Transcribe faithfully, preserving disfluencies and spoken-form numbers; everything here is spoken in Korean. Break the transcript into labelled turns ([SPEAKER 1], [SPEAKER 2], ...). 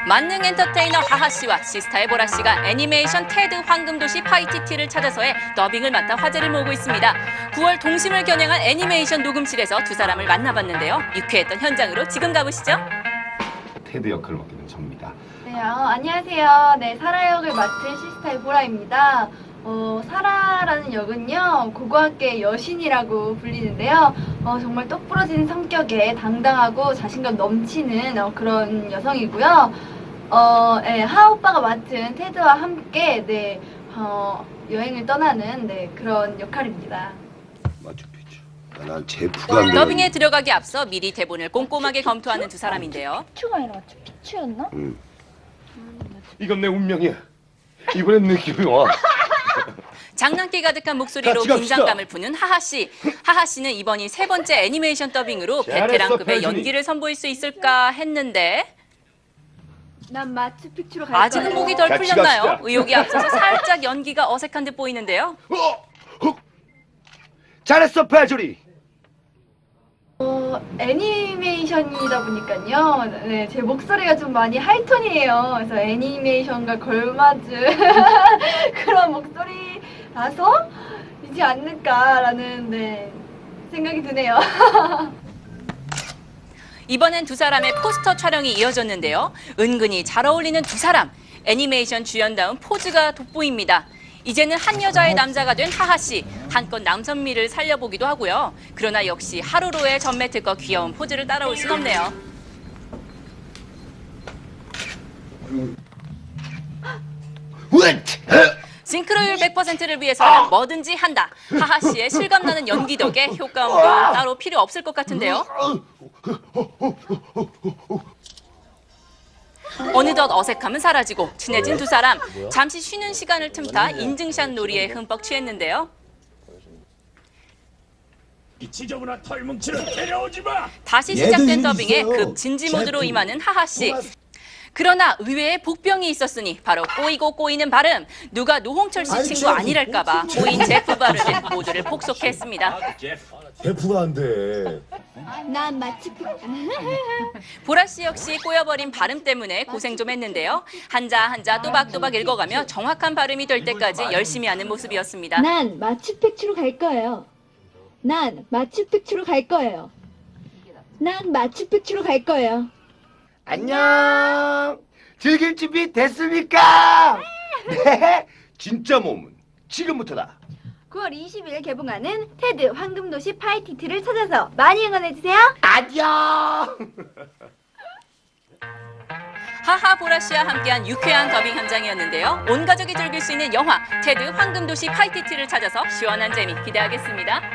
[SPEAKER 1] 만능 엔터테이너 하하 씨와 시스타의 보라 씨가 애니메이션 테드 황금도시 파이티티를 찾아서의 더빙을 맡아 화제를 모으고 있습니다. 구월 동심을 겨냥한 애니메이션 녹음실에서 두 사람을 만나봤는데요. 유쾌했던 현장으로 지금 가보시죠.
[SPEAKER 2] 테드 역할을 맡게 된 접니다.
[SPEAKER 3] 네, 어, 안녕하세요. 네, 사라 역을 맡은 시스타의 보라입니다. 어, 사라라는 역은요, 고고학계의 여신이라고 불리는데요. 어, 정말 똑부러진 성격에 당당하고 자신감 넘치는 어, 그런 여성이고요. 어, 네, 하 오빠가 맡은 테드와 함께 네, 어, 여행을 떠나는 네, 그런 역할입니다.
[SPEAKER 4] 마추픽추. 난 제프가 안
[SPEAKER 1] 더빙에 들어가기 앞서 미리 대본을 꼼꼼하게 검토하는 두 사람인데요.
[SPEAKER 3] 피추가 아니라 피추였나?
[SPEAKER 4] 응.
[SPEAKER 2] 이건 내 운명이야. 이번엔 느낌이 와.
[SPEAKER 1] 장난기 가득한 목소리로
[SPEAKER 2] 같이 갑시다.
[SPEAKER 1] 긴장감을 푸는 하하 씨. 하하 씨는 이번이 세 번째 애니메이션 더빙으로
[SPEAKER 2] 잘했어,
[SPEAKER 1] 베테랑급의
[SPEAKER 2] 배준이.
[SPEAKER 1] 연기를 선보일 수 있을까 했는데
[SPEAKER 3] 난 마추픽추로 갈
[SPEAKER 1] 아직은
[SPEAKER 3] 거예요.
[SPEAKER 1] 목이 덜
[SPEAKER 2] 같이
[SPEAKER 1] 풀렸나요?
[SPEAKER 2] 갑시다.
[SPEAKER 1] 의욕이 앞서서 살짝 연기가 어색한 듯 보이는데요.
[SPEAKER 4] 어! 어! 잘했어, 패조리.
[SPEAKER 3] 어, 애니메이션이다 보니까요. 네, 제 목소리가 좀 많이 하이톤이에요. 그래서 애니메이션과 걸맞은 그런 목소리라서 이지 않을까라는 네, 생각이 드네요.
[SPEAKER 1] 이번엔 두 사람의 포스터 촬영이 이어졌는데요. 은근히 잘 어울리는 두 사람. 애니메이션 주연다운 포즈가 돋보입니다. 이제는 한 여자의 남자가 된 하하 씨. 한껏 남선미를 살려보기도 하고요. 그러나 역시 하루로의 전매특허 귀여운 포즈를 따라올 순 없네요. 싱크로율 백 퍼센트를 위해서는 뭐든지 한다. 하하 씨의 실감나는 연기 덕에 효과음도 따로 필요 없을 것 같은데요. 어느덧 어색함은 사라지고 친해진 두 사람. 잠시 쉬는 시간을 틈타 인증샷 놀이에 흠뻑 취했는데요.
[SPEAKER 5] 이 지저분한 털뭉치를 데려오지 마!
[SPEAKER 1] 다시 시작된 더빙에 급 진지 모드로 임하는 하하 씨. 그러나 의외의 복병이 있었으니 바로 꼬이고 꼬이는 발음. 누가 노홍철 씨 친구 아니랄까봐 꼬인 제프 발음에 모두를 폭소했습니다.
[SPEAKER 2] 제프가 안 돼.
[SPEAKER 3] 난 마추픽추.
[SPEAKER 1] 보라 씨 역시 꼬여버린 발음 때문에 고생 좀 했는데요. 한자 한자 또박또박 읽어가며 정확한 발음이 될 때까지 열심히 하는 모습이었습니다.
[SPEAKER 6] 난 마추픽추로 갈 거예요. 난 마추픽추로 갈 거예요. 난 마추픽추로 갈 거예요.
[SPEAKER 4] 안녕. 즐길 준비 됐습니까? 네. 진짜 몸은 지금부터다.
[SPEAKER 3] 구월 이십일 개봉하는 테드 황금도시 파이티티를 찾아서 많이 응원해주세요.
[SPEAKER 4] 안녕.
[SPEAKER 1] 하하 보라 씨와 함께한 유쾌한 더빙 현장이었는데요. 온 가족이 즐길 수 있는 영화 테드 황금도시 파이티티를 찾아서 시원한 재미 기대하겠습니다.